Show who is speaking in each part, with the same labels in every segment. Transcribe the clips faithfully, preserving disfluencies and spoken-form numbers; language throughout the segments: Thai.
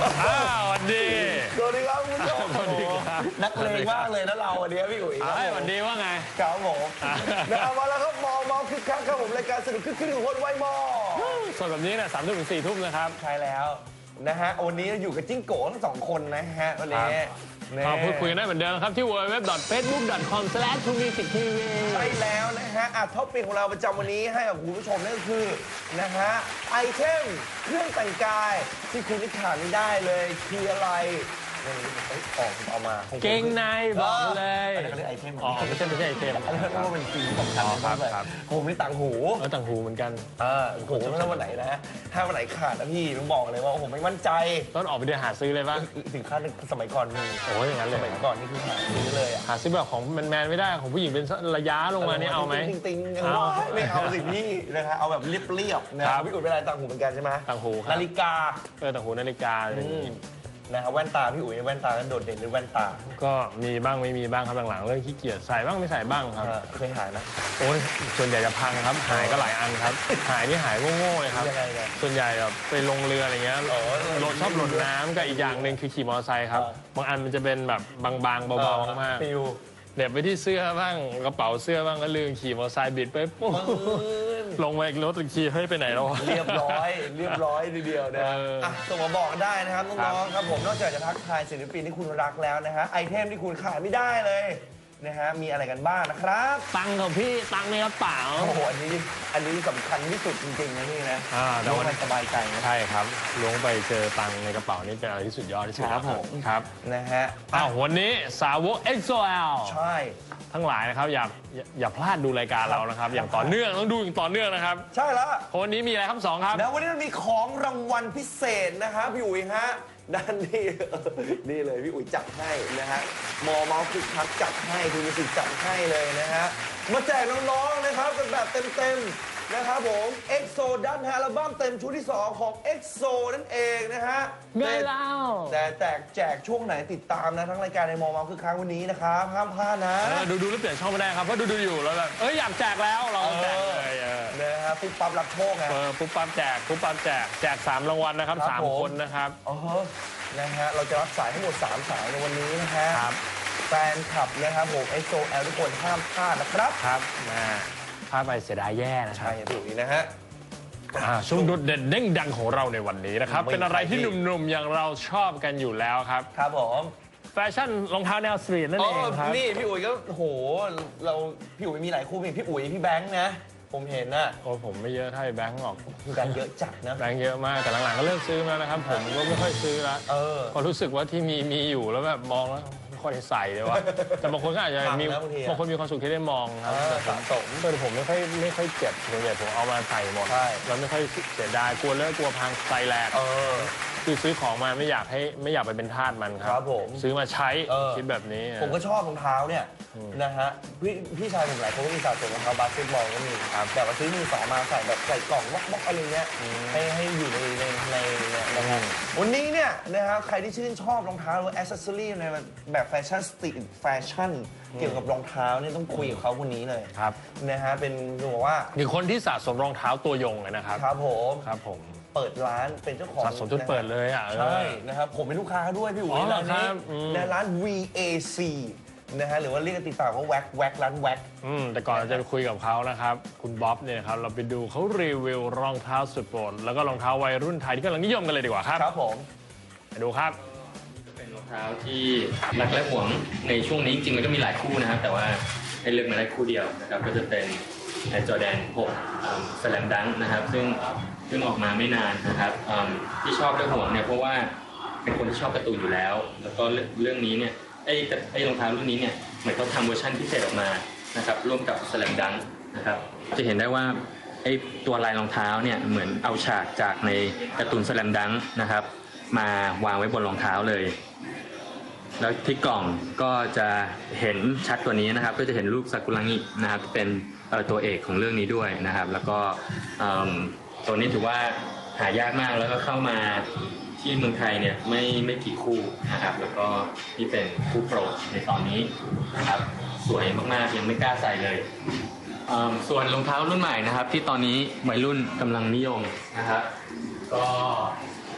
Speaker 1: อ้าวสวัสดี
Speaker 2: สวัสดีครับคุณผู้ชมนักเลงมากเลยนะเราวันนี้พี่อุ๋ย
Speaker 1: สวัสดีว่าไง
Speaker 2: ครับผมนะครับมาแล้วครับมองมองคึกคักครับผมรายการสนุกคึกคืนของคนไวมอ
Speaker 1: สดแบบนี้นะสามทุ่มถึงสี่ทุ่มนะครับ
Speaker 2: ใช่แล้วนะฮะวันนี้อยู่กับจิ้งโก้ทั้งสองคนนะฮะวันนี้
Speaker 1: มาพูดคุยกันได้เหมือนเดิมครับที่ ดับเบิลยู ดับเบิลยู ดับเบิลยู ดอท เฟซบุ๊ก ดอท คอม สแลช ทู มิวสิก ที วี
Speaker 2: ใช่แล้วนะฮะอ่ะท็อปปิ้งของเราประจำวันนี้ให้กับคุณผู้ชมนั่นก็คือนะฮะไอเทมเครื่องแต่งกายที่คุณที่ขาดไม่ได้เลยคืออะไรนี่ออกเอามา
Speaker 1: เก่งในบอกเลย
Speaker 2: อันนี้เขาเรียกไอเทม
Speaker 1: อ๋อไม่ใช่ไม่ใช่ไอเทม
Speaker 2: อันนี้เขาเรียกว่าเป็นสิ่งสำคัญนะครับผมนี่ต่างหู
Speaker 1: เออต่างหูเหมือนกัน
Speaker 2: เออผมถ้าวันไหนนะถ้าวันไหนขาดนะพี่ต้องบอกเลยว่าผมไม่มั่นใจ
Speaker 1: ต้องออกไปเดินหาซื้อเลยป่ะ
Speaker 2: สินค้าสมัยก่อนมี
Speaker 1: โอ้ยอย่างนั้นเลย
Speaker 2: สมัยก่อนนี่คือหาซื้อเลย
Speaker 1: หาซื้อแบบของแมนๆไม่ได้ของผู้หญิงเป็นระยะลงมานี่เอาไหม
Speaker 2: ติงๆไม่เอาสิพี่นะครับเอาแบบเรียบๆนะพี่อุ๋ยเป็นอะไรต่างหูเหมือนกันใช่ไหม
Speaker 1: ต่างหู
Speaker 2: นาฬิกา
Speaker 1: เออต่างหูนาฬิกา
Speaker 2: นะครับแว่นตาพี่อุ๋ยแว่นตานั้นโดดเด่นหรือแว่นตา
Speaker 1: ก็มีบ้างไม่มีบ้างครับหลังๆเรื่องขี้เกียจใส่บ้างไม่ใส่บ้างครับ
Speaker 2: เคยหายไหม
Speaker 1: โอ้ยส่วนใหญ่จะพังครับหายก็หลายอันครับหายนี่หายโง่ๆเลยครับส่วนใหญ่แบบไปลงเรืออะไรเงี้ยโหลดชอบหล่นน้ำกับอีกอย่างหนึ่งคือขี่มอเตอร์ไซค์ครับบางอันมันจะเป็นแบบบางๆเบาๆมากๆเด็บไปที่เสื้อบ้างกระเป๋าเสื้อบ้างก็ลืมขี่มอเตอร์ไซค์บิดไปปุ๊บลงไปรถตะขี่ให้ไปไหนแล้ว
Speaker 2: เรียบร้อยเรียบร้อยทีเดียวนะอ่ะส่งมาบอกได้นะครับน้องๆครับผมนอกจากจะทักทายศิลปินที่คุณรักแล้วนะฮะไอเทมที่คุณขาดไม่ได้เลยนะฮะมีอะไรกันบ้างนะครับ
Speaker 1: ตังค์ของพี่ตังค์ในกระเป๋า
Speaker 2: โอ้โหอันนี้อันนี้สำคัญที่สุดจริงๆนะนี่นะ
Speaker 1: อ่า
Speaker 2: ล้วงไปสบายใจนะ
Speaker 1: ใช่ครับล้วงไปเจอตังค์ในกระเป๋านี่เป็นอะไรที่สุดยอดที่สุด
Speaker 2: ครับผม
Speaker 1: ครับ
Speaker 2: นะฮะ
Speaker 1: อ้าววันนี้สาวก เอ็กซ์ โอ แอล
Speaker 2: ใช่
Speaker 1: ทั้งหลายนะครับอย่าอย่าพลาดดูรายการเรานะครับอย่างต่อเนื่องต้องดูอย่างต่อเนื่องนะครับ
Speaker 2: ใช่แล้ว
Speaker 1: วันนี้มีอะไรครับสองครับ
Speaker 2: แล้ววันนี้มันมีของรางวัลพิเศษนะครับพี่อุ๋ยฮะด้านนี้นี่เลยพี่อุ๋ยจัดให้นะฮะมอเมาส์คึกคักจัดให้คุณมิวสิกจัดให้เลยนะฮะมาแจกน้องๆนะครับกันแบบเต็มๆนะครับผม เอ็กโซ ดันอัลบั้มเต็มชุดที่สองของ เอ็กโซ นั่นเองนะฮะ
Speaker 1: เงินเล่า
Speaker 2: แต่แจกแจกช่วงไหนติดตามนะทั้งรายการในมอเมาส์คึกคักวันนี้นะครับห้ามพลาดนะ
Speaker 1: ดูดูแล้วเปลี่ยนช่องไม่ได้ครับเพราะดูดูอยู่แล้วแบบเอ้ยอยากแจกแล้วเราแจกเลย
Speaker 2: นะครับปุ๊บปั๊บรับโชคไง
Speaker 1: ปุ๊บปั๊บแจกปุ๊บปั๊บแจกแจกสามรางวัลนะครับสามคนนะครับ
Speaker 2: อ๋อนะฮะเราจะรับสายทั้งหมดสามสายในวันนี้นะฮะแฟนคลับนะครับผม เอ็กโซ แอล ทุกคนห้ามพลาดนะครับ
Speaker 1: ครับมาพลาดไปเสียดายแย่นะ
Speaker 2: ใช่ถูกนะฮะ
Speaker 1: ช่วงโดดเด่นเด้งดังของเราในวันนี้นะครับเป็นอะไรที่หนุ่มๆอย่างเราชอบกันอยู่แล้วครับ
Speaker 2: ครับผม
Speaker 1: แฟชั่นรองเท้าแนวสตรีทนั่นเองครับ
Speaker 2: นี่พี่อุ๋ยก็โหเราพี่อุ๋ยมีหลายคู่พี่อุ๋ยพี่แบงค์นะผมเห็นนะ
Speaker 1: โอ้ผมไม่เยอะเท่าแบงค์หรอก
Speaker 2: แบงค์เยอะจัดนะ
Speaker 1: แบงค์เยอะมากแต่หลังๆก็เลิกซื้อแล้วนะครับผมก็ไม่ค่อยซื้อแล้วพอรู้สึกว่าที่มีมีอยู่แล้วแบบมองแล้วไม่ค่อยใส่เลยว่ะแต่บางคนก็อาจจะมีบางคนมีความสุขที่ได้มองครับแต่ผมแต่ผมไม่ค่อยไม่ค่อยเจ็บส่วนใหญ่ผมเอามาใส่หมดเราไม่ค่อยเสียดายกลัวเลิกกลัวพังใส่แหลกคือซื้อของมาไม่อยากให้ไม่อยากไปเป็นทาสมันครับซื้อมาใช้คิดแบบนี้
Speaker 2: ผมก็ชอบรองเท้าเนี่ยนะฮะพี่พี่ชายผมหลายคนก็มีสะสมรองเท้าบาสเกตบอลก็มีแต่ว่าซื้อมือสองมาใส่แบบใส่กล่องบล็อกๆอะไรเงี้ยให้ให้อยู่ในในในนะฮะวันนี้เนี่ยนะฮะใครที่ชื่นชอบรองเท้าหรือแอคเซสซอรี่ในแบบแฟชั่นสตรีทแฟชั่นเกี่ยวกับรองเท้าเนี่ยต้องคุยกับเขาคนนี้เลย
Speaker 1: ครับ
Speaker 2: นะฮะเป็นบอกว่า
Speaker 1: คือคนที่สะสมรองเท้าตัวยงเลยนะครับ
Speaker 2: ครับผม
Speaker 1: ครับผม
Speaker 2: เปิดร้านเป็นเจ้าของ
Speaker 1: สะสมจนเปิดเลยอ่ะ
Speaker 2: ใช่นะครับผมเป็นลูกค้าด้วยพี่อุ๋ยร้านนี้ในร้าน วี เอ ซี นะฮะหรือว่าเรียกติดปากว่าแว็กแว็กร้านแว็ก
Speaker 1: อืมแต่ก่อนเราจะไปคุยกับเขานะครับคุณบ๊อบเนี่ยครับเราไปดูเขารีวิวรองเท้าสุดโปรดแล้วก็รองเท้าวัยรุ่นไทยที่กำลังนิยมกันเลยดีกว่าครับ
Speaker 2: ครับผม
Speaker 1: ไปดูครับ
Speaker 3: เป็นรองเท้าที่รักและหวงในช่วงนี้จริงๆมันก็มีหลายคู่นะครับแต่ว่าให้เลือกมาได้คู่เดียวนะครับก็จะเป็นแอร์จอร์แดนหกสแลมดังนะครับซึ่งเพิ่งออกมาไม่นานนะครับที่ชอบและหวงเนี่ยเพราะว่าเป็นคนที่ชอบการ์ตูนอยู่แล้วแล้วก็เรื่องนี้เนี่ยไอ้ไอ้รองเท้ารุ่นนี้เนี่ยเหมือนเขาทำเวอร์ชันพิเศษออกมานะครับร่วมกับสแลมดังนะครับจะเห็นได้ว่าไอ้ตัวลายรองเท้าเนี่ยเหมือนเอาฉากจากในการ์ตูนสแลมดังนะครับมาวางไว้บนรองเท้าเลยแล้วที่กล่องก็จะเห็นชัดกว่านี้นะครับก็จะเห็นรูปซากุระงินะครับเป็นตัวเอกของเรื่องนี้ด้วยนะครับแล้วก็ตัวนี้ถือว่าหายากมากแล้วก็เข้ามาที่เมืองไทยเนี่ยไม่ไม่กี่คู่นะครับแล้วก็นี่เป็นคู่โปรดในตอนนี้นะครับสวยมากๆยังไม่กล้าใส่เลยส่วนรองเท้ารุ่นใหม่นะครับที่ตอนนี้วัยรุ่นกำลังนิยมนะครับก็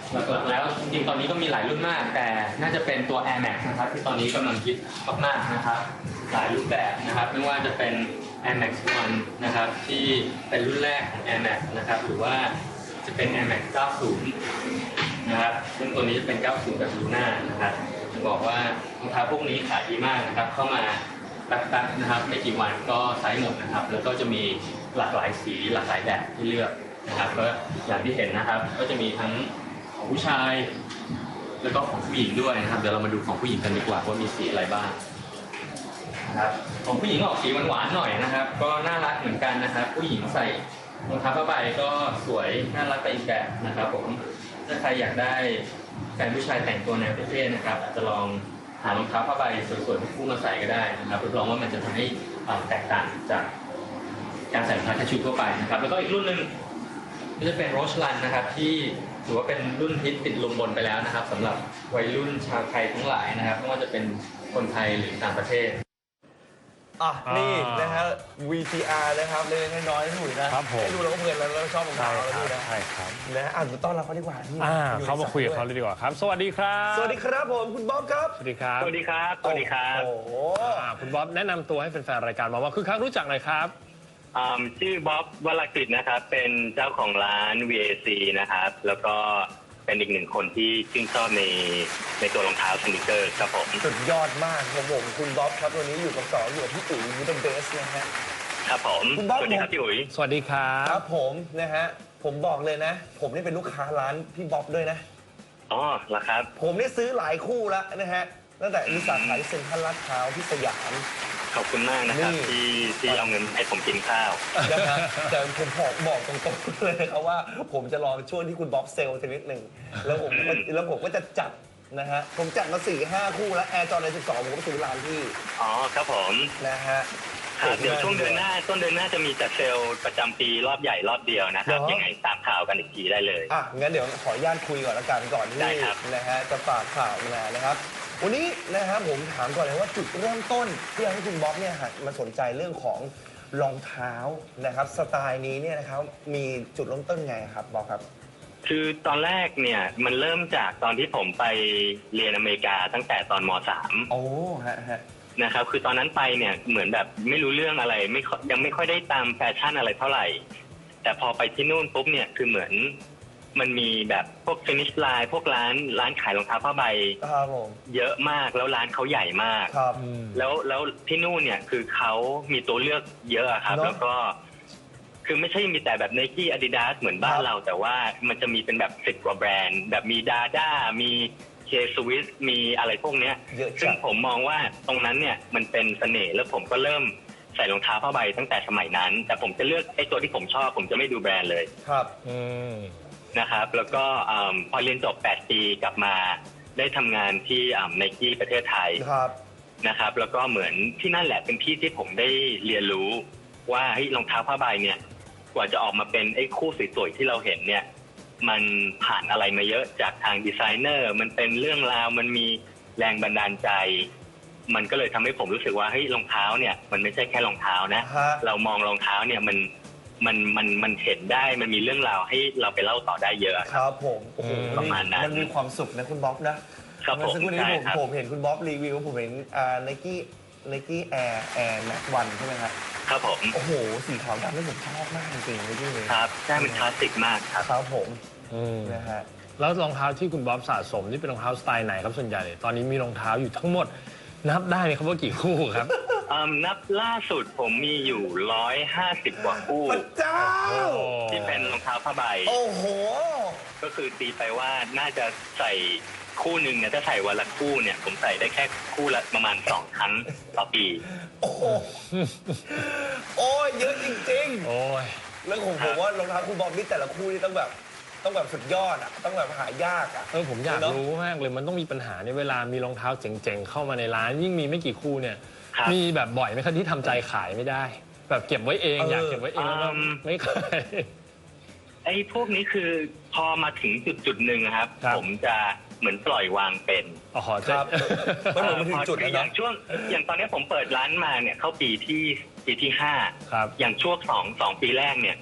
Speaker 3: หลักๆแล้วจริงๆตอนนี้ก็มีหลายรุ่นมากแต่น่าจะเป็นตัว Air Max นะครับที่ตอนนี้กำลังฮิตมากๆนะครับหลายรูปแบบนะครับไม่ว่าจะเป็น Air Max วันนะครับที่เป็นรุ่นแรกของ Air Max นะครับหรือว่าจะเป็น Air Max เก้าสิบนะครับซึ่งตัวนี้จะเป็นเก้าสิบแบบลูน่านะครับจะบอกว่ารองเท้าพวกนี้ขายดีมากนะครับเข้ามาแป๊บๆนะครับไม่กี่วันก็ไซส์หมดนะครับแล้วก็จะมีหลากหลายสีหลากหลายแบบที่เลือกนะครับก็อย่างที่เห็นนะครับก็จะมีทั้งของผู้ชายแล้วก็ของผู้หญิงด้วยนะครับเดี๋ยวเรามาดูของผู้หญิงกันดีกว่าว่ามีสีอะไรบ้างนะครับของผู้หญิงออกสีหวานๆหน่อยนะครับก็น่ารักเหมือนกันนะครับผู้หญิงใส่รองเท้าผ้าใบก็สวยน่ารักไปอีกแบบนะครับผมถ้าใครอยากได้แฟนผู้ชายแต่งตัวแนวเท่ๆนะครับอาจจะลองหารองเท้าผ้าใบสวยๆคู่มาใส่ก็ได้นะครับรับรองว่ามันจะทำให้แตกต่างจากการใส่รองเท้าแค่ชุดทั่วไปนะครับแล้วก็อีกรุ่นหนึ่งก็จะเป็นโรชลันนะครับที่ถือว่าเป็นรุ่นฮิตติดลมบนไปแล้วนะครับสำหรับวัยรุ่นชาวไทยทั้งหลายนะครับไม่ว่าจะเป็นคนไทยหรือต่างประเทศ
Speaker 2: อ่ะนี่นะฮะ วี ซี อาร์ นะครับเล็กๆน้อยๆหนุ่ยนะครับผมให้ดูแล้วก็เพลินแล้วเราชอบรองเท้าแล้วด้วยนะ
Speaker 1: ใช่ครับ
Speaker 2: นะอ่ะต้อนรับเขาดีกว่า
Speaker 1: ที่เขามาคุยกับเขาเลยดีกว่าครับสวัสดีครับ
Speaker 2: สวัสดีครับผมคุณบ๊อบครับ
Speaker 1: สวัสดีครับ
Speaker 3: สวัสดีครับสวัสดีครับ
Speaker 2: โอ้โห
Speaker 1: คุณบ๊อบแนะนำตัวให้แฟนๆรายการมาว่าคือครั้งรู้จักหน่อยครับ
Speaker 3: ชื่อบ๊อบวรกฤษนะครับเป็นเจ้าของร้าน วี เอ ซี นะครับแล้วก็เป็นอีกหนึ่งคนที่ชื่นชอบในในตัวรองเท้าสนิเกอร์ครับผม
Speaker 2: สุดยอดมากครับผมคุณบ๊อบครับวันนี้อยู่กับสองอยู่กับพี่อุ๋ยยูเดนเบสนะฮะ
Speaker 3: ครับผม
Speaker 2: คุณบ๊อบ
Speaker 3: สวัสดีครับพี่อุ๋ย
Speaker 1: สวัสดีครับ
Speaker 2: ครับผมนะฮะผมบอกเลยนะผมนี่เป็นลูกค้าร้านพี่บ๊อบด้วยนะ
Speaker 3: อ๋อเหรอครับ
Speaker 2: ผมนี่ซื้อหลายคู่แล้วนะฮะตั้งแต่มีสาขาเซ็นทรัลลาดพร้าวที่สยาม
Speaker 3: ขอบคุณมากนะครับที่ที่เอาเงินให้ผมกินข้าว
Speaker 2: นะครับแต่ผมบอกบอกตรงๆเลยนะครับว่าผมจะรอช่วงที่คุณบ๊อบเซลล์นิดหนึ่งแล้วผมแล้วผมก็จะจัดนะฮะผมจัดมาสี่ห้าคู่แล้วแอร์จอร์แดนสิบสองผมก็ซื้อร้านที่
Speaker 3: อ๋อครับผม
Speaker 2: นะฮะ
Speaker 3: เดี๋ยวช่วงเดือนหน้าต้นเดือนหน้าจะมีจัดเซลล์ประจำปีรอบใหญ่รอบเดียวนะครับยังไงตามข่าวกันอีกทีได้เลย
Speaker 2: อ่ะงั้นเดี๋ยวขออนุญาตคุยก่อนละกันก่อนที่นะฮะจะฝากข่าวมานะครับวันนี้นะครับผมถามก่อนเลยว่าจุดเริ่มต้นที่ทำให้คุณบ๊อบเนี่ยหันมาสนใจเรื่องของรองเท้านะครับสไตล์นี้เนี่ยนะครับมีจุดเริ่มต้นไงครับบ๊อบครับ
Speaker 3: คือตอนแรกเนี่ยมันเริ่มจากตอนที่ผมไปเรียนอเมริกาตั้งแต่ตอนม สาม
Speaker 2: โอ้ฮะฮะ
Speaker 3: นะครับคือตอนนั้นไปเนี่ยเหมือนแบบไม่รู้เรื่องอะไรไม่ยังไม่ค่อยได้ตามแฟชั่นอะไรเท่าไหร่แต่พอไปที่นู่นปุ๊บเนี่ยคือเหมือนมันมีแบบพวกฟินิชไลน์พวกร้านร้านขายรองเท้าผ้าใบเยอะมากแล้วร้านเขาใหญ่มากแล้วแล้วที่นู่นเนี่ยคือเขามีตัวเลือกเยอะครับแล้วก็คือไม่ใช่มีแต่แบบไนกี้อาดิดาสเหมือนบ้านเราแต่ว่ามันจะมีเป็นแบบสิบกว่าแบรนด์แบบมีดาด้ามีเคสวิสมีอะไรพวกเนี้ยซึ่งผมมองว่าตรงนั้นเนี่ยมันเป็นเสน่ห์แล้วผมก็เริ่มใส่รองเท้าผ้าใบตั้งแต่สมัยนั้นแต่ผมจะเลือกไอ้ตัวที่ผมชอบผมจะไม่ดูแบรนด์เลย
Speaker 2: ครับ
Speaker 3: นะครับแล้วก็พอเรียนจบแปดปีกลับมาได้ทำงานที่ไนกี้ประเทศไทยนะครับแล้วก็เหมือนที่นั่นแหละเป็นที่ที่ผมได้เรียนรู้ว่าเฮ้ยรองเท้าผ้าใบเนี่ยกว่าจะออกมาเป็นไอ้คู่สวยๆที่เราเห็นเนี่ยมันผ่านอะไรมาเยอะจากทางดีไซเนอร์มันเป็นเรื่องราวมันมีแรงบันดาลใจมันก็เลยทำให้ผมรู้สึกว่าเฮ้ยรองเท้าเนี่ยมันไม่ใช่แค่รองเท้านะเรามองรองเท้าเนี่ยมันมันมันมันเห็นได้มันมีเรื่องราวให้เราไปเล่าต่อได้เยอะ
Speaker 2: ครับผมโอ้โห
Speaker 3: ประมาณนั้น
Speaker 2: มันมีความสุขนะคุณบ๊อบนะครับผมสักครู่นี้ผมผมเห็นคุณบ๊อบรีวิวผมเห็นอ่าไนกี้ไนกี้แอร์แอร์แม็กวันใช่ไหมครับ
Speaker 3: ครับผม
Speaker 2: โอ้โหสีขาวดำนี่ผมชอบมากจริงๆเลยที่นี่
Speaker 3: ครับใช่มันคลาสสิกมากครับ
Speaker 2: ครับผมนะฮะ
Speaker 1: แล้วรองเท้าที่คุณบ๊อบสะสมนี่เป็นรองเท้าสไตล์ไหนครับส่วนใหญ่ตอนนี้มีรองเท้าอยู่ทั้งหมดนับได้ไหมครับว่ากี่คู่ครับ
Speaker 3: นับล่าสุดผมมีอยู่ร้อยห้าสิบกว่าคู่
Speaker 2: พระเจ้า
Speaker 3: ที่เป็นรองเท้าผ้าใบ
Speaker 2: โอ้โห
Speaker 3: ก็คือตีไปว่าน่าจะใส่คู่หนึ่งเนี่ยถ้าใส่วันละคู่เนี่ยผมใส่ได้แค่คู่ละประมาณสองครั้งต่อปี
Speaker 2: โอ้โอ้ยเยอะจริง
Speaker 1: ๆโอ้ย
Speaker 2: แล้วผมผมว่ารองเท้าคุณบ๊อบนี่แต่ละคู่นี่ต้องแบบต้องแบบสุดยอดอ่ะต้องแบบหายากอ่ะ
Speaker 1: เออผมอยากรู้มากเลยมันต้องมีปัญหาในเวลามีรองเท้าเจ๋งๆเข้ามาในร้านยิ่งมีไม่กี่คู่เนี่ยมีแบบบ่อยไหมครับที่ทำใจขายไม่ได้แบบเก็บไว้เองอยากเก็บไว้เองแล้วไม่ขาย
Speaker 3: ไอ้พวกนี้คือพอมาถึงจุดจุดหนึ่งครับผมจะเหมือนปล่อยวางเป็น
Speaker 1: อ๋อ
Speaker 2: ครับพอถึงจุด
Speaker 3: อย่างช่วงอย่างตอนนี้ผมเปิดร้านมาเนี่ยเข้าปีที่ปีที่ห้าอย่างช่วงสองสองปีแรกเนี่ย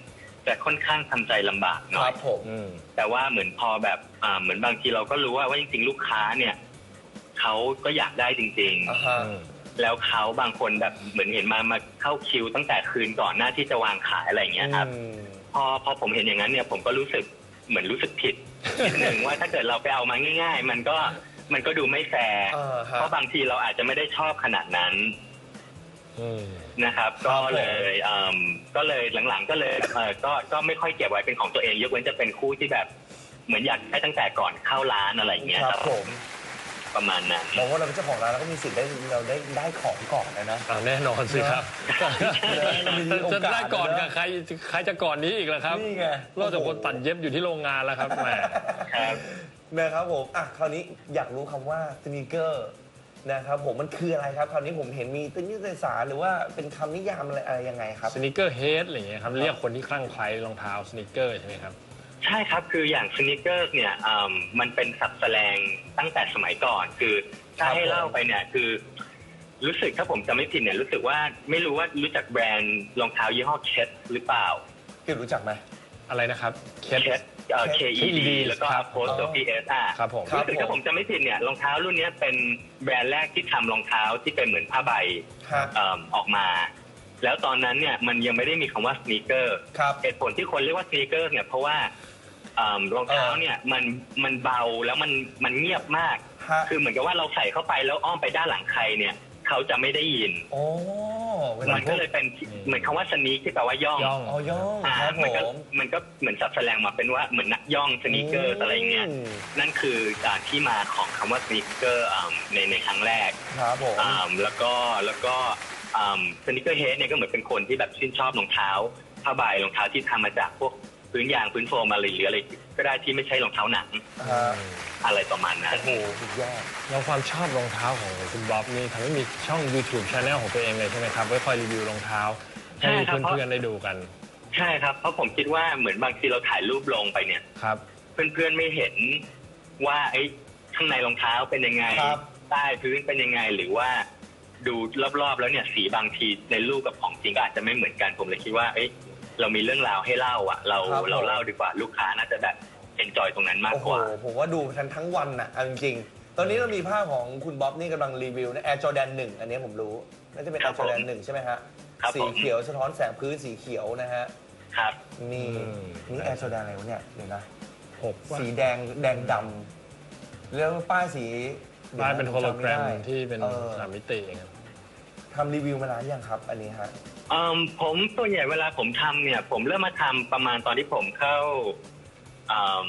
Speaker 4: จะค่อนข้างทำใจลำบากหน่
Speaker 2: ค
Speaker 4: อ
Speaker 2: รั
Speaker 4: ย
Speaker 2: บผม
Speaker 4: แต่ว่าเหมือนพอแบบอ่าเหมือนบางทีเราก็รู้ว่าว่าจริงๆลูกค้าเนี่ยเขาก็อยากได้จริง
Speaker 2: อ่าฮะ
Speaker 4: ๆ แล้วเขาบางคนแบบเหมือนเห็นมามาเข้าคิวตั้งแต่คืนก่อนหน้าที่จะวางขายอะไรอย่างเงี้ยครับ
Speaker 2: อืม
Speaker 4: พอพอผมเห็นอย่างนั้นเนี่ยผมก็รู้สึกเหมือนรู้สึกผิดนิดนึงว่าถ้าเกิดเราไปเอามาง่าย ๆ มันก็มันก็ดูไม่แฟร์
Speaker 2: อ่าฮะ
Speaker 4: เพราะบางทีเราอาจจะไม่ได้ชอบขนาดนั้นนะครับ
Speaker 2: ครั
Speaker 4: ก็
Speaker 2: บผม
Speaker 4: เลยอืมก็เลยหลังๆ ก็เลยเออก็ก็ไม่ค่อยเก็บไว้เป็นของตัวเองยกเว้นจะเป็นคู่ที่แบบเหมือนอยากได้ตั้งแต่ก่อนเข้าร้านอะไรอย่างเงี้ย
Speaker 2: ค
Speaker 4: ค
Speaker 2: รั
Speaker 4: รั
Speaker 2: บบ ผม
Speaker 4: ประมาณนั้น
Speaker 2: บอกว่าเราเป็นเจ้าของร้านเราก็มีสิทธิ์ได้เราได้ได้ของก่อนนะนะ
Speaker 1: อ่าแน่นอนสิครับ
Speaker 2: เรามีโอกาส
Speaker 1: จะได้ก่อน
Speaker 2: นะ
Speaker 1: กับใครใครจะก่อนนี้อีกล่ะครับ
Speaker 2: นี่ไง
Speaker 1: นอกจากคนตัดเย็บอยู่ที่โรงงานแล้วครับแหม
Speaker 4: ครับ
Speaker 2: นะครับผมอ่ะคราวนี้อยากรู้คำว่าสนีกเกอร์นะครับผมมันคืออะไรครับคราวนี้ผมเห็นมีตัวนิตยสารหรือว่าเป็นคำนิยามอะไรอะไรยังไงครับ
Speaker 1: สนิเกอร์เฮดอะไรอย่างเงี้ยครับเรียกคนที่คลั่งไคล้รองเท้าสนิเกอร์ใช่ไหมครับ
Speaker 4: ใช่ครับคืออย่างสนิเกอร์เนี่ยอืมมันเป็นศัพท์แสลงตั้งแต่สมัยก่อน คือถ้าให้เล่าไปเนี่ยคือรู้สึกถ้าผมจำไม่ผิดเนี่ยรู้สึกว่าไม่รู้ว่ารู้จักแบรนด์รองเท้ายี่ห้อเคทหรือเปล่า
Speaker 2: พี่รู้จักไหม
Speaker 1: อะไรนะครับเค
Speaker 4: เคทเอ่อ K E D แล้วก็
Speaker 1: ครับ
Speaker 4: โพสต์ P S อ่ะ
Speaker 1: ครับผม
Speaker 4: รู้สึกถ้าผมจำไม่ผิดเนี่ยรองเท้ารุ่นนี้เป็นแบรนด์แรกที่ทำรองเท้าที่เป็นเหมือนผ้าใบ
Speaker 2: ครับ
Speaker 4: เอิ่มออกมา แล้วตอนนั้นเนี่ยมันยังไม่ได้มีคำว่าสนีกเกอร์
Speaker 2: ครับ
Speaker 4: เหตุผลที่คนเรียกว่าสนีกเกอร์เนี่ยเพราะว่าเอิ่มรองเท้าเนี่ยมันมันเบาแล้วมันมันเงียบมาก
Speaker 2: ฮะ
Speaker 4: คือเหมือนกับว่าเราใส่เข้าไปแล้วอ้อมไปด้านหลังใครเนี่ยเขาจะไม่ได้ยิน
Speaker 2: โอ้เวลา
Speaker 4: มันก็เลยเป็นเหมือนคำว่าสนีกที่แปลว่าย่อง
Speaker 1: ย่อง
Speaker 2: อ๋อย่อง
Speaker 4: อ่า
Speaker 2: ครับผ
Speaker 4: มันก็
Speaker 2: ม
Speaker 4: มันก็เหมือนสับแสลงมาเป็นว่าเหมือนนักย่องสนีกเกอร์อะไรเงี้ย
Speaker 2: อืม
Speaker 4: นั่นคือการที่มาของคำว่าสนีกเกอร์ในในครั้งแรก
Speaker 2: ครับผม
Speaker 4: อ่าแล้วก็แล้วก็สนิเกอร์เฮดเนี่ยก็เหมือนเป็นคนที่แบบชื่นชอบรองเท้าผ้าใบรองเท้าที่ทำมาจากพวกพื้นยางพื้นโฟมอะไรหรืออะไรก็ได้ที่ไม่ใช่รองเท้าหนัง
Speaker 2: ฮะ
Speaker 4: อะไรประมาณนั้น
Speaker 2: โอ้โหสุดยอด
Speaker 1: แล้วความชอบรองเท้าของคุณบ๊อบนี่ทำให้มีช่อง YouTube Channel ของตัวเองเลยใช่ไหมครับไว้คอยรีวิวรองเท้าให้เพื่อนๆได้ดูกัน
Speaker 4: ใช่ครับเพราะผมคิดว่าเหมือนบางทีเราถ่ายรูปลงไปเนี่ย
Speaker 1: ครับ
Speaker 4: เพื่อนๆไม่เห็นว่าไอ้ข้างในรองเท้าเป็นยังไง
Speaker 2: ครับ
Speaker 4: ใต้พื้นเป็นยังไงหรือว่าดูรอบๆแล้วเนี่ยสีบางทีในรูปกับของจริงก็อาจจะไม่เหมือนกันผมเลยคิดว่าเอ้ยเรามีเรื่องราวให้เล่าอ่ะ เรา
Speaker 2: ครับ
Speaker 4: เราเล่าดีกว่าลูกค้าน่าจะแบบเอนจอยตรงนั้นมาก
Speaker 2: โอ้โห
Speaker 4: กว่า
Speaker 2: ผมว่าดูทั้งทั้งวันน่ะเอาจริงๆ ตอนนี้เรามีภาพของคุณบ๊อบนี่กำลังรีวิวนะ Air Jordan หนึ่งอันนี้ผมรู้ น่าจะเป็น
Speaker 4: ครั
Speaker 2: Air
Speaker 4: บผม
Speaker 2: Jordan หนึ่งใช่ไหมฮะ
Speaker 4: ครับ
Speaker 2: สี
Speaker 4: ผม
Speaker 2: เขียวสะท้อนแสงพื้นสีเขียวนะฮะ
Speaker 4: ครับ
Speaker 2: นี่
Speaker 1: อืม
Speaker 2: นี่ Air Jordan อะไรวะเนี่ย เดี๋ยวนะ
Speaker 1: หกว่า
Speaker 2: สีแดงแดงดำแล้วป้ายสี
Speaker 1: ป้ายเป็นโฮโลแกรม
Speaker 2: จำไได้
Speaker 1: ที่เป็น
Speaker 2: ออ
Speaker 1: สามมิติครับ
Speaker 2: ทำรีวิวมานานยังครับ อันนี้ฮะ
Speaker 4: เอิ่มผมส่วนใหญ่เวลาผมทำเนี่ย ผมเริ่มมาทำประมาณตอนที่ผมเข้าเอิ่ม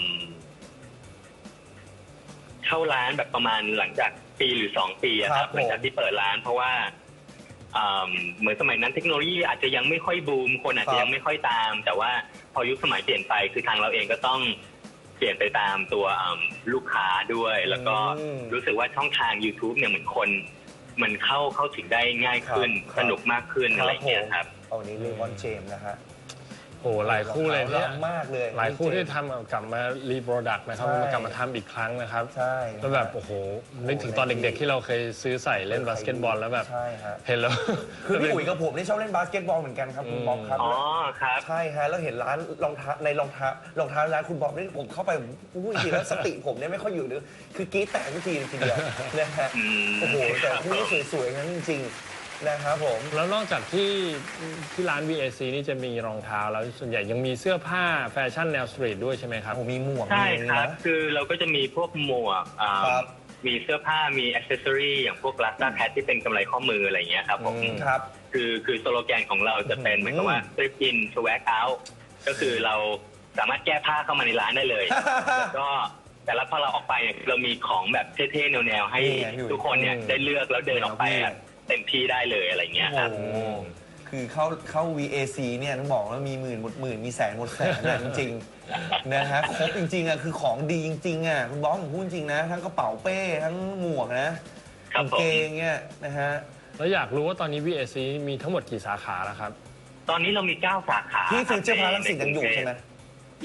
Speaker 4: เข้าร้านแบบประมาณหลังจากปีหรือสองปีอะค
Speaker 2: ครั
Speaker 4: รั
Speaker 2: บบ ผม
Speaker 4: หลังจากที่เปิดร้าน เพราะว่าเอิ่มเหมือนสมัยนั้นเทคโนโลยีอาจจะยังไม่ค่อยบูมคนอาจจะยังไม่ค่อยตาม แต่ว่าพอยุคสมัยเปลี่ยนไปคือทางเราเองก็ต้องเปลี่ยนไปตามตัวเอิ่มลูกค้าด้วย แล้วก็รู้สึกว่าช่องทาง YouTube เนี่ยเหมือนคน มันเข้าเข้าถึงได้ง่ายขึ้น
Speaker 2: ครับ
Speaker 4: สนุกมากขึ้นอะไรอย่างเงี้ยครับ
Speaker 2: เอานี้เลมอนเจมนะฮะ
Speaker 1: โอ้หลายคู่เลยเนี่ย
Speaker 2: รักมากเลย
Speaker 1: หลายคู่ที่ทำกลับมารีโปรดักต์นะครับ
Speaker 2: ใช่
Speaker 1: มากลับมาทำอีกครั้งนะครับ
Speaker 2: ใช่
Speaker 1: แล้วแบบโอ้โหนึกถึงตอนเด็กๆที่เราเคยซื้อใส่เล่นบาสเกตบอลแล้วแบบ
Speaker 2: ใช่ฮะ
Speaker 1: เห็นแล้ว
Speaker 2: คือพี่อุ๋ยกับผมนี่ชอบเล่นบาสเกตบอลเหมือนกันครับคุณบ๊อบครับ
Speaker 4: อ๋อครับ
Speaker 2: ใช่ฮะแล้วเห็นร้านรองเท้าในรองเท้ารองเท้าร้านคุณบ๊อบนี่ผมเข้าไปพูดจริงๆแล้วสติผมเนี่ยไม่ค่อยอยู่เลยคือกรี๊ดแตกทุกทีทีเดียวนะฮะ
Speaker 4: อืม
Speaker 2: โอ้โหแต่คู่นี้สวยๆงั้นจริงๆนะครับผม
Speaker 1: แล้วนอกจากที่ที่ร้าน วี เอ ซี นี่จะมีรองเท้าแล้วส่วนใหญ่ยังมีเสื้อผ้าแฟชั่นแนวสตรีทด้วยใช่ไหมครับ
Speaker 2: ผมมีหมวก
Speaker 4: ใช่
Speaker 2: มี
Speaker 4: ครับ
Speaker 2: นะ
Speaker 4: คือเราก็จะมีพวกหมวกอ่า
Speaker 2: ครับ
Speaker 4: มีเสื้อผ้ามีอ c เซสซอรีอย่างพวกลัสตาแพทที่เป็นกำไรข้อมืออะไรอย่างเงี้ยครับผม
Speaker 1: อืม
Speaker 2: ครับ
Speaker 4: คือคือสโลแกนของเราจะเป็น
Speaker 2: อืม
Speaker 4: เหมือนกับว่า strip in swag out ก็คือเราสามารถแก้ผ้าเข้ามาในร้านได้เลย แล้วก็แต่ละพอเราออกไปเนี่ยเรามีของแบบเท่ๆแนวๆให้
Speaker 2: นี่ไงพี่อุ๋ย
Speaker 4: ทุกคนเนี่ยได้เลือกแล้วเดินออกไปอะเต็มที่ได้เลยอะไรเงี้ยครับ
Speaker 2: โอ้โหคือเข้าเข้า วี เอ ซี เนี่ยต้องบอกว่ามีหมื่นหมดหมื่นมีแสนหมดแสนนะจริงๆนะฮะครบจริงๆอ่ะคือของดีจริงๆอ่ะคุณบ๊อบผมพูดจริงนะ ทั้งกระเป๋าเป้ทั้งหมวกนะครับ กางเกงเนี่ยนะฮะ
Speaker 1: แล้วอยากรู้ว่าตอนนี้ วี เอ ซี มีทั้งหมดกี่สาขาแล้วครับ
Speaker 4: ตอนนี้เรามีเก้าสาขา
Speaker 2: ที่ฟิวเจอร์พาร์ครังสิตยังอยู่ใช่ไหม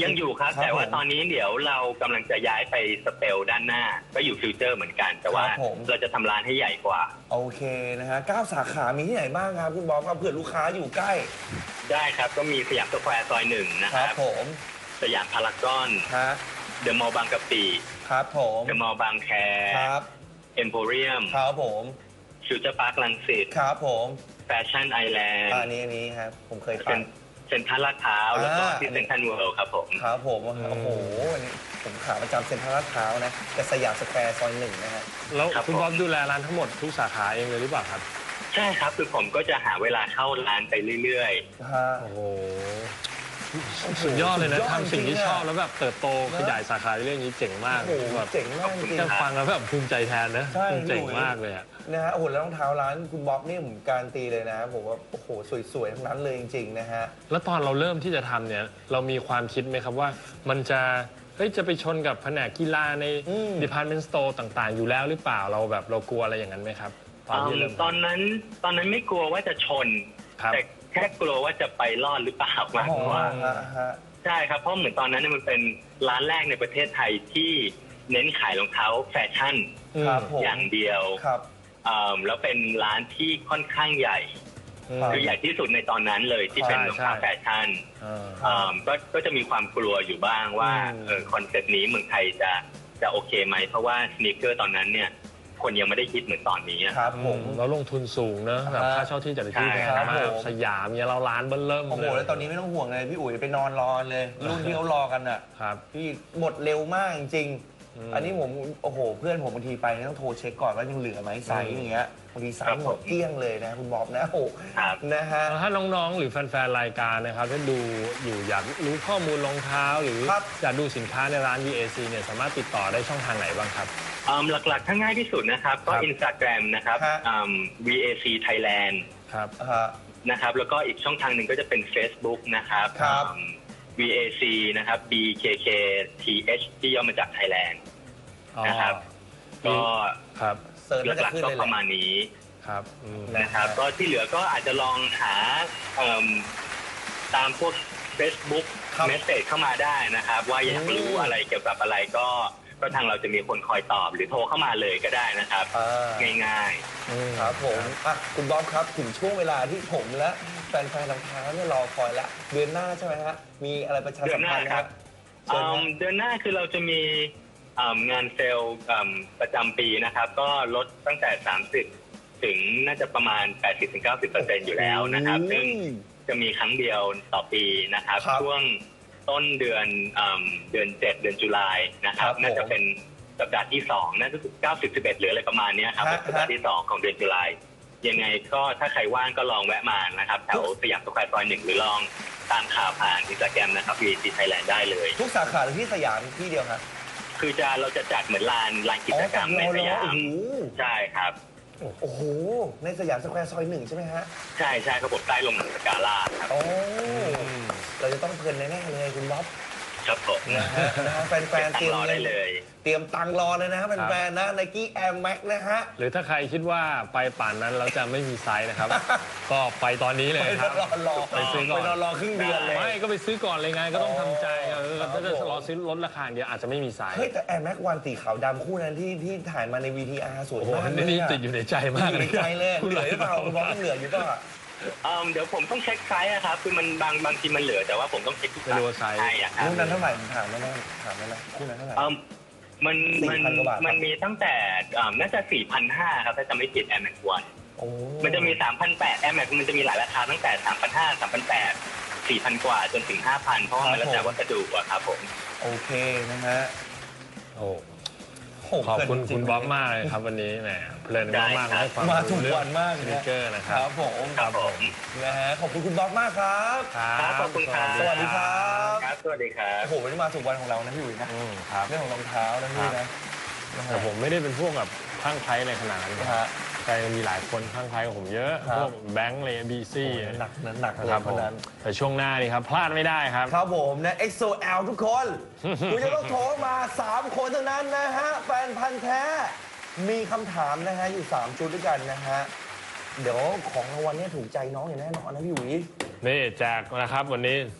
Speaker 4: ยังอยู่ครับ แต่ว่าตอนนี้เดี๋ยวเรากำลังจะย้ายไปสเปลด้านหน้าก็อยู่ฟิวเจอร์เหมือนกัน แต่ว่าเราจะทำร้านให้ใหญ่กว่า
Speaker 2: โอเคนะฮะเก้าสาขามีที่ไหนบ้างครับคุณบ๊อบครับเผื่อลูกค้าอยู่ใกล้
Speaker 4: ได้ครับก็มีสยามสแควร์ซอยหนึ่งนะครับ
Speaker 2: ผม
Speaker 4: สยามพารากอนเดอะมอลล์บางกะปิ
Speaker 2: ครับผม
Speaker 4: เดอะมอลล์บางแค
Speaker 2: ครับ
Speaker 4: เอ็มโพเรียม
Speaker 2: ครับผม
Speaker 4: ฟิวเจอร์พาร์ครังสิต
Speaker 2: ครับผม
Speaker 4: แฟชั่นไอแลนด์
Speaker 2: อันนี้นี้ครับผมเคยไป
Speaker 4: เซ็นทรัลลาดพร้าวแล้วก็ที่เซ็นทรัลเวิลด์ครับผม
Speaker 2: ครับผมโอ้โหวันนี้ผมขาประจำเซ็นทรัลลาดพร้าวนะแต่สยามสแควร์ซอยหนึ่งนะฮะ
Speaker 1: แล้วคุณบ๊อบดูแลร้านทั้งหมดทุกสาขาเองเลยหรือเปล่าครับ
Speaker 4: ใช่ครับคือผมก็จะหาเวลาเข้าร้านไปเรื่อย
Speaker 2: ๆโอ้โห
Speaker 1: สุดยอดเลยนะทำสิ่งที่ชอบแล้วแบบเติบโตขยายสาขาเรื่องนี้เจ๋งมาก
Speaker 2: แบบเจ๋งมากจริง
Speaker 1: ๆฟังแล้วแบบภูมิใจแทนนะเจ๋งมากเลยอะ
Speaker 2: นะฮะโอ้โหแล้วรองเท้าร้านคุณบ๊อบนี่ผมการันตีเลยนะผมว่าโอ้โหสวยๆทั้งนั้นเลยจริงๆนะฮะ
Speaker 1: แล้วตอนเราเริ่มที่จะทำเนี่ยเรามีความคิดไหมครับว่ามันจะเฮ้ยจะไปชนกับแผนกกีฬาใน department store ต่างๆอยู่แล้วหรือเปล่าเราแบบเรากลัวอะไรอย่างนั้นไหมครับ
Speaker 4: ตอนที่เริ่มตอนนั้นตอนนั้นไม่กลัวว่าจะชนแต่แค่กลัวว่าจะไปรอดหรือเปล่ามากกว่าใช่ครับเพราะเหมือนตอนนั้นมันเป็นร้านแรกในประเทศไทยที่เน้นขายรองเท้าแฟชั่นอย่างเดียวแล้วเป็นร้านที่ค่อนข้างใหญ่คือใหญ่ที่สุดในตอนนั้นเลยที่เป็นรองเท้าแฟชั่นก็ก็จะมีความกลัวอยู่บ้างว่าคอนเซ็ปต์นี้เมืองไทยจะจะโอเคไหมเพราะว่าสนีกเกอร์ตอนนั้นเนี่ยคนยังไม่ได้คิดเหมือนตอนนี้
Speaker 2: ครับผม
Speaker 1: แล้วลงทุนสูงนะแบบค่าเช่าที่จัดที่แพงมากสยามเนี่ยเราร้านเบิ้ลเริ่ม
Speaker 2: โอ้โหแล้วตอนนี้ไม่ต้องห่วงเลยพี่อุ๋ยไปนอนรอเลยรุ่นที่เขารอกันอ่ะพี่หมดเร็วมากจริงอันนี้ผมโอ้โหเพื่อนผมบางทีไปต้องโทรเช็คก่อนว่ายังเหลือไหมไซส์อย่างเงี้ยบางทีไซส์หมดเกลี้ยงเลยนะคุณบ๊อบนะโอ้นะฮะ
Speaker 1: ถ้าน้องๆหรือแฟนๆรายการนะครับถ้าดูอยู่อยากรู้ข้อมูลรองเท้าหรืออยากดูสินค้าในร้าน วี เอ ซี เนี่ยสามารถติดต่อได้ช่องทางไหนบ้างครับ
Speaker 4: หลักๆถ้าง่ายที่สุดนะครับก็ Instagram นะครับ วี เอ ซี Thailand
Speaker 1: ครับ
Speaker 4: นะครับแล้วก็อีกช่องทางหนึ่งก็จะเป็น Facebook นะครับ วี เอ ซี นะครับ บี เค เค ที เอช ที่ย่อมาจาก Thailand นะครับก็หลักๆก็ประมาณนี้
Speaker 1: ครับ
Speaker 4: นะครับก็ที่เหลือก็อาจจะลองหาตามพวก Facebook เมสเสจเข้ามาได้นะครับว่าอยากรู้อะไรเกี่ยวกับอะไรก็ก็ทางเราจะมีคนคอยตอบหรือโทรเข้ามาเลยก็ได้นะครับง่าย
Speaker 2: ๆครับผมอ่ะคุณบ๊อบครับถึงช่วงเวลาที่ผมและแฟนๆรองเท้าเนี่ยรอคอยละเดือนหน้าใช่ไหมฮะมีอะไรประชาสัมพันธ์ครับ
Speaker 4: เดือนหน้าคือเราจะมีงานเซลล์ประจำปีนะครับก็ลดตั้งแต่สามสิบถึงน่าจะประมาณ แปดสิบถึงเก้าสิบเปอร์เซ็นต์ อยู่แล้วนะครับซึ่งจะมีครั้งเดียวต่อปีนะครับช่วงต้นเดือนเดือนเจ็ดเดือนตุลานะครับน่าจะเป็นสัปดาห์ที่สองน่าจะเก้าสิบ สิบเอ็ดหรืออะไรประมาณนี้ครับสัปดาห์ที่สองของเดือนตุลายังไงก็ถ้าใครว่างก็ลองแวะมานะครับแถวสยามสแควร์ซอยหนึ่งหรือลองตามข่าวผ่านอินสตาแกรมนะครับ วี เอ ซี Thailand ได้เลย
Speaker 2: ทุกสาขาหรือที่สยามที่เดียวครับ
Speaker 4: คือจะเราจะจัดเหมือนลานลานกิจกรรมในสยามใช่ครับ
Speaker 2: โอ้โหในสยามสแควร์ซอยหนึ่งใช่ไหมฮะ
Speaker 4: ใช่ใช่ครับผมใต้ลงสกาล่าครับ
Speaker 2: โอ้เราจะต้องเพลินแน่ๆเลยคุณบ๊อบ
Speaker 4: ครับผม
Speaker 2: นะฮะแฟนๆเตรียม
Speaker 4: เลย
Speaker 2: เตรียมตังรอเลยนะแฟนๆนะ Nike Air Max นะฮะ
Speaker 1: หรือถ้าใครคิดว่าไปป่านนั้นเราจะไม่มีไซส์นะครับก็ไปตอนนี้เลยครับ
Speaker 2: ไปซื้อก่อนไปรอครึ่งเดือนเลย
Speaker 1: ไม่ก็ไปซื้อก่อนเลยไงก็ต้องทำใจเออถ้าจะรอซื้อลดราคาเดียวอาจจะไม่มีไซส์
Speaker 2: เฮ้ยแต่ Air Max วันสีขาวดำคู่นั้นที่ที่ถ่ายมาใน วี ที อาร์ สวยมาก
Speaker 1: นี่ติดอยู่ในใจมาก
Speaker 2: เลยในใจเลยเหลือหรือเปล่าคุณบ๊อบเหลืออยู่ป่ะ
Speaker 4: เดี๋ยวผมต้องเช็คไซส์ครับคือมันบางบางทีมันเหลือแต่ว่าผมต้องเช็คทุก
Speaker 1: ไซส์
Speaker 4: ใช่
Speaker 2: ครับคู่นั้นเท่าไหร่ถามได้ไหมถามได้ไหมคู่นั้นเท่าไหร่
Speaker 4: มันมันมันมีตั้งแต่น่าจะ สี่พันห้าร้อย ครับถ้าจำไม่ผิด Air Max วันมันจะมี สามพันแปดร้อย Air Max มันจะมีหลายราคาตั้งแต่ สามพันห้าร้อย สามพันแปดร้อย สี่พัน กว่าจนถึง ห้าพัน เพราะว่ามันแล้วแต่วัสดุอะครับผม
Speaker 2: โอเคนะฮะ
Speaker 1: โอ้ขอบคุณคุณบ๊อบมากเลยครับวันนี้แหมเพลินมากมากให้ความ
Speaker 2: มาถูกวันมาก
Speaker 1: สนิเกอร์นะครับ
Speaker 2: ครับผม
Speaker 4: ครับผม
Speaker 2: นะฮะขอบคุณคุณบ๊อบมากครับ
Speaker 4: ครับขอบคุณครับ
Speaker 2: สวัสดีครับ
Speaker 4: ครับสวัสดีครับ
Speaker 2: โอ้โหวันนี้มาถูกวันของเรานะพี่อุ๋ยนะเรื่องของรองเท้านะพี่นะ
Speaker 1: แต่ผมไม่ได้เป็นพวกแบบคลั่งไคล้ในขนาดนั้นแต่มีหลายคนคลั่งไคล้กับผมเยอะพวกแบงค์เลยบีซี่
Speaker 2: หนักหนัก
Speaker 1: ครับผมแต่ช่วงหน้านี่ครับพลาดไม่ได้ครับ
Speaker 2: ครับผมนะ เอ็กโซ แอล ทุกคนคุณจะต้องโทรมาสามคนเท่านั้นนะฮะแฟนพันธ์แท้มีคำถามนะฮะอยู่สามชุดด้วยกันนะฮะเดี๋ยวของรางวัลนี้ถูกใจน้องอย่างแน่นอนนะพี่อุ๋ย
Speaker 1: นี่แจกนะครับวันนี้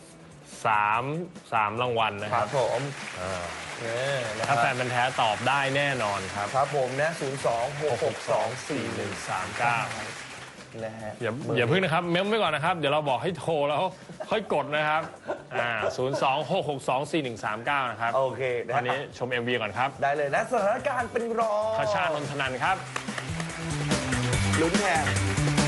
Speaker 1: สามสามรางวัลนะ
Speaker 2: ค
Speaker 1: ค
Speaker 2: รั
Speaker 1: รั
Speaker 2: บบ ผมเนี่ยนะ
Speaker 1: ถ้า
Speaker 2: ฮะ
Speaker 1: แฟนเป็นแท้ตอบได้แน่นอนครับ
Speaker 2: ครับผมนะศูนย์สองหกหกสองสี่หนึ่ง
Speaker 1: สามเก้า
Speaker 2: นะฮะ
Speaker 1: อย่าอย่าพึ่งนะครับเมมไว้ก่อนนะครับเดี๋ยวเราบอกให้โทรแล้วค่อยกดนะครับอ่าศูนย์สองหกหกสองสี่หนึ่งสามเก้านะครับ
Speaker 2: โอเคนะ
Speaker 1: ตอนนี้ชม เอ็ม วี ก่อนครับ
Speaker 2: ได้เลยนะสถานการณ์เป็นรอง
Speaker 1: คชา นนทนันท์ครับ
Speaker 2: ลุ้นแทน